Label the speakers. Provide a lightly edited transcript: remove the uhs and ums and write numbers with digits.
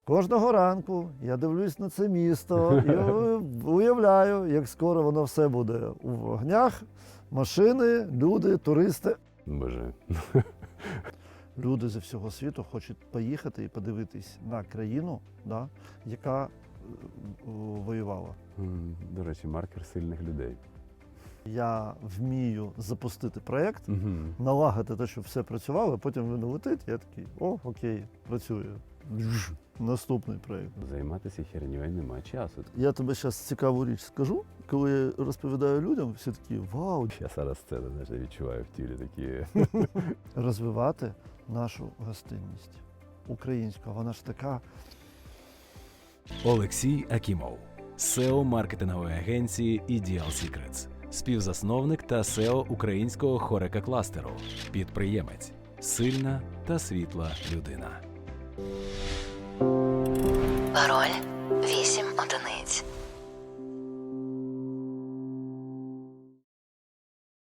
Speaker 1: Кожного ранку я дивлюсь на це місто і уявляю, як скоро воно все буде у вогнях, машини, люди, туристи.
Speaker 2: Боже.
Speaker 1: Люди зі всього світу хочуть поїхати і подивитись на країну, да, яка воювала.
Speaker 2: До речі, маркер сильних людей.
Speaker 1: Я вмію запустити проєкт,
Speaker 2: Угу.
Speaker 1: налагодити те, щоб все працювало, а потім він летить, я такий, о, окей, працює. Наступний проєкт.
Speaker 2: Займатися херньою нема часу.
Speaker 1: Я тобі зараз цікаву річ скажу. Коли я розповідаю людям, всі такі, вау,
Speaker 2: Я зараз це, знаєш, я відчуваю в тілі такі.
Speaker 1: розвивати нашу гостинність. Українська, вона ж така.
Speaker 3: Олексій Акімов, SEO маркетингової агенції Ideal Secrets, співзасновник та SEO українського хорека кластеру, підприємець, сильна та світла людина.
Speaker 4: Пароль 8 одиниць.